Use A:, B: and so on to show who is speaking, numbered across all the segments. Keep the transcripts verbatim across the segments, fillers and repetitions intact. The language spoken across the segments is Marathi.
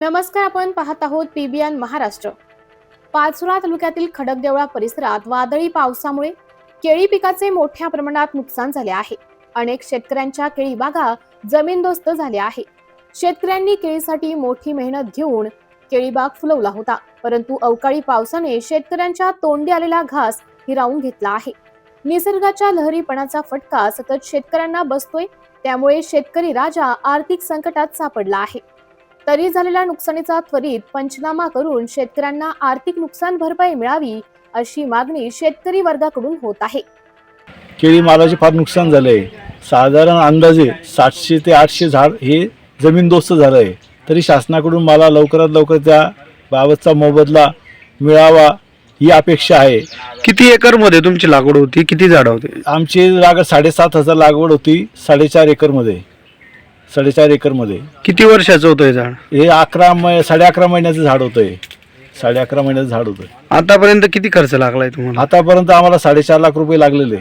A: नमस्कार, आपण पाहत आहोत पीबीएन महाराष्ट्र। पाचोरा तालुक्यातील खडकदेवळा परिसरात वादळी पावसामुळे केळी पिकाचे मोठ्या प्रमाणात नुकसान झाले आहे। अनेक शेतकऱ्यांच्या केळी बागा जमीनदोस्त झाल्या आहे। शेतकऱ्यांनी केळीसाठी मोठी मेहनत घेऊन केळी बाग फुलवला होता, परंतु अवकाळी पावसाने शेतकऱ्यांच्या तोंडी आलेला घास हिरावून घेतला आहे। निसर्गाच्या लहरीपणाचा फटका सतत शेतकऱ्यांना बसतोय, त्यामुळे शेतकरी राजा आर्थिक संकटात सापडला आहे। तरी झालेल्या नुकसानीचा त्वरित पंचनामा करून शेतकऱ्यांना आर्थिक नुकसान भरपाई मिळावी, अशी मागणी शेतकरी वर्गाकडून होत आहे।
B: केळी मालाचे फार नुकसान झाले आहे। साधारण अंदाजे सातशे ते आठशे झाड हे जमीनदोस्त झालं आहे। तरी शासनाकडून मला लवकरात लवकर त्या बाबतचा मोबदला मिळावा ही अपेक्षा आहे।
C: किती एकर मध्ये तुमची लागवड होती, किती झाड होते?
B: आमची लागवड साडेसात हजार लागवड होती, साडेचार एकर मध्ये साडेचार एकर मध्ये
C: किती वर्षाचं होतं हे झाड?
B: हे अकरा मै साडे अकरा महिन्याचं झाड होतं। हे साडे अकरा महिन्याचं झाड होतं।
C: आतापर्यंत किती खर्च लागलाय तुम्हाला?
B: आतापर्यंत आम्हाला साडेचार लाख रुपये लागलेले।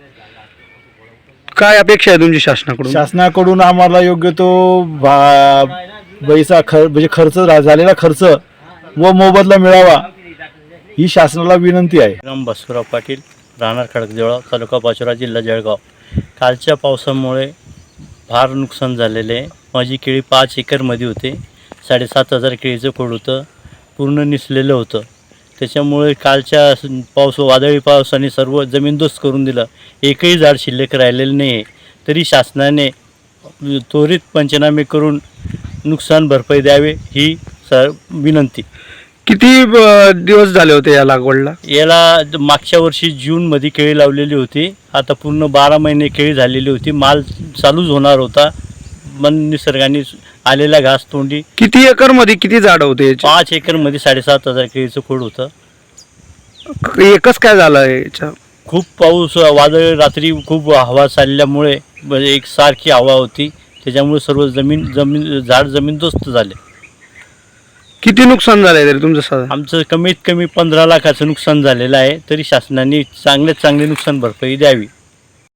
C: काय अपेक्षा आहे तुमची शासनाकडून?
B: शासनाकडून आम्हाला योग्य तो पैसा खर्च म्हणजे खर्च झालेला खर्च व मोबदला मिळावा ही शासनाला विनंती आहे।
D: राम बसवराव पाटील, राहणार खडकदेवळा, तालुका पाचोरा, जिल्हा जळगाव। कालच्या पावसामुळे फार नुकसान झालेले आहे। माझी केळी पाच एकरमध्ये होते। साडेसात हजार केळीचं खोड होतं, पूर्ण निसलेलं होतं। त्याच्यामुळे कालच्या पाऊस वादळी पावसाने सर्व जमीनदोस्त करून दिलं। एकही झाड शिल्लक राहिलेलं नाही आहे। तरी शासनाने त्वरित पंचनामे करून नुकसान भरपाई द्यावे ही सर विनंती।
C: किती दिवस झाले होते या लागवडला?
D: याला मागच्या वर्षी जूनमध्ये केळी लावलेली होती। आता पूर्ण बारा महिने केळी झालेली होती। माल चालूच होणार होता, मन निसर्गाने आलेला घास तोंडी।
C: किती एकर मध्ये किती झाड होते?
D: पाच एकरमध्ये साडेसात हजार केळीचं खोड होतं।
C: एकच काय झालं याच्या?
D: खूप पाऊस वादळ, रात्री खूप हवा चालल्यामुळे एक सारखी हवा होती, त्याच्यामुळे सर्व जमीन जमीन झाड जमीनदोस्त झाले।
C: किती नुकसान झालंय तरी तुमचं?
D: आमचं कमीत कमी पंधरा लाखाचं नुकसान झालेलं आहे। तरी शासनाने चांगल्यात चांगली नुकसान भरपाई द्यावी।